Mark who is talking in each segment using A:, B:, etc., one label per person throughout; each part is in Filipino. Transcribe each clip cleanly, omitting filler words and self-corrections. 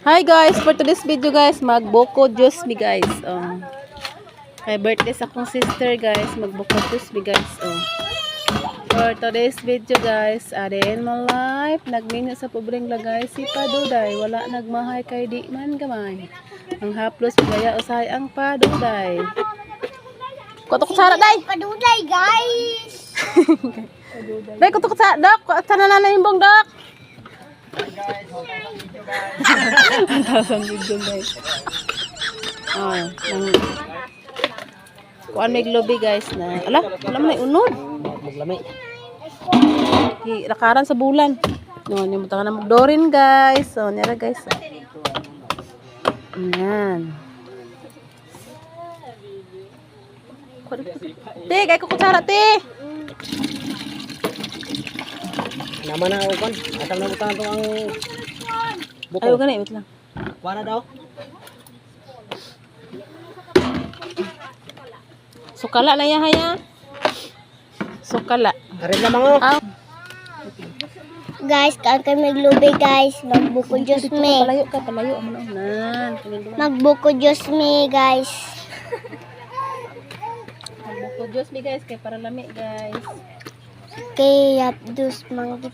A: Hi guys, for today's video guys, magboko juice mi guys. May birthday sa akong sister guys, magboko juice mi guys. For today's video guys, arin mo life, nagminyo sa pobreng lagay si Paduday, wala nagmahay kay di man gamay. Ang haplos gaya usay ang Paduday. Kutok sara day.
B: Paduday guys.
A: Day kutok sa dok, sana na yung bong dok. Ang video guys. Kuan may globe guys na. Ala, wala man ay unod.
C: Maglamay.
A: Lakaran sa bulan. No, ni mo na magdorin guys. So, nira guys. Ayan. Te, kay ko kutsara te.
C: Naman na upan. Atang na butang ang buto.
A: Ayo gani, wait lang.
C: Kuha na daw.
A: Sukala na ya haya. Sukala.
C: Arin na mga.
B: Guys, kaya may globe guys. Magbuko juice me.
A: Palayo ka, palayo mo na.
B: Magbuko juice me guys.
A: Magbuko juice mi guys, kay para lami guys.
B: Kaya dus manggit.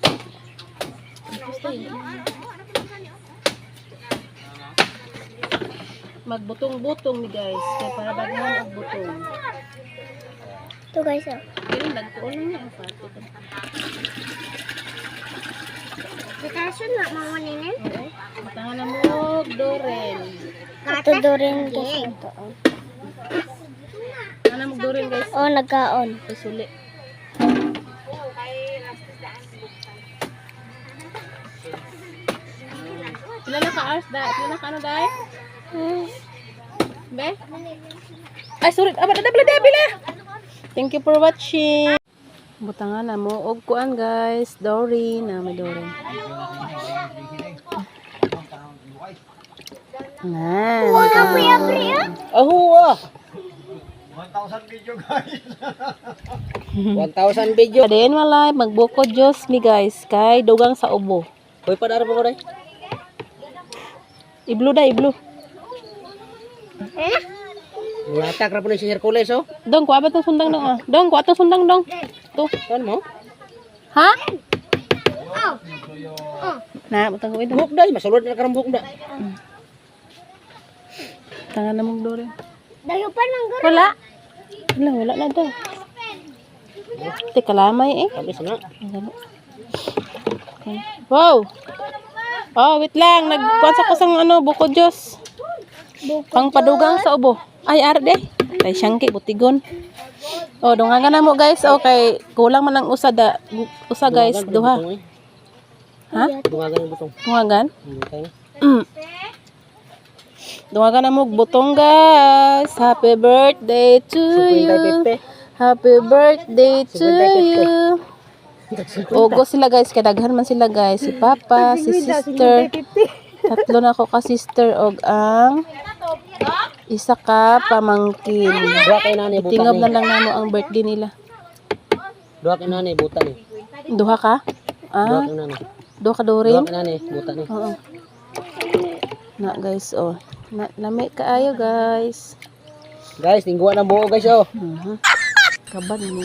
A: Magbutong-butong mi guys, kay para daghan og butong.
B: Ito guys oh.
A: Pero nagtuon lang ang pato.
B: Kaso na mga ninin.
A: Oo. Matangan na mo doren.
B: Ito doon guys. Ito oh.
A: Ana mo doren guys.
B: Oh, nagkaon.
A: Isuli. Pila na ka hours da? Pila na ka ano dai? Be? Ay, sorry. Aba, bila. Thank you for watching. Butangan na mo. Og kuan guys. Dory na may Dory. Nah.
C: Ahuwa. 1,000 video guys. 1,000 video.
A: Adin malay magbuko Diyos mi guys. Kay dugang sa ubo.
C: Hoy padara pa ko dai.
A: Iblo da, iblo.
C: Latak ra po ni si Hercules oh.
A: Dong, kuha ba itong sundang dong ah? Dong, kuha itong sundang dong. Ito.
C: Kan mo?
A: Ha? Na, butang ko ito.
C: Buhok dai, masulod na karang buhok da.
A: Tangan na mong Dory.
B: Dayo pa ng garo.
A: Wala. Wala na daw. Teka lamay eh.
C: Kami sana.
A: Wow. Oh, wait lang. Nagkuha ko sang ano, buko Diyos. Pangpadugang sa ubo. Ay, arde. Kay siyangki, butigon. Oh, dungangan na mo guys. Okay, kulang man ang usa guys. Duha. Ha?
C: Dungagan ang butong.
A: Dungagan?
C: Okay.
A: Dungagan na mo butong guys. Happy birthday to you. Happy birthday to you. Ogo sila guys, kadaghan man sila guys. Si Papa, si Sister. Tatlo na ako ka sister og ang isa ka pamangkin.
C: Duha kay nanay buta
A: Tingab na
C: ni.
A: lang namo ang birthday nila.
C: Duha kay nanay buta ni.
A: Duha ka?
C: Duha
A: Ah,
C: kay nanay.
A: duha ka
C: Duha
A: Dorin?
C: kay nanay buta ni.
A: Oo. Na guys, oh. Lami kaayo guys.
C: Guys, tingguan ang buo guys oh.
A: Kaban mo.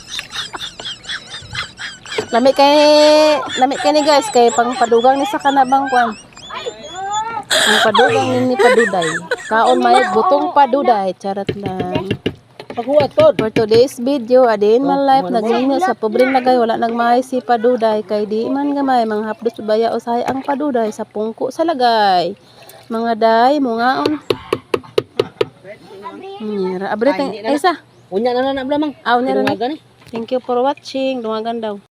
A: Lami kay ni guys kay pangpadugang ni sa kanabang kwan. Ang padugang ni Paduday. Kaon may butong Paduday. Charot lang.
C: Paghuwat pod.
A: For today's video, adin man life nagminyo sa pobreng lagay wala nagmahay si Paduday kay di man gamay mga hapdos baya usahay ang Paduday sa pungko sa lagay. Mga day mungaon. Nira abre teng isa.
C: Unya na blamang.
A: Aw nira.
C: Dungagan eh.
A: Thank you for watching. Dungagan daw.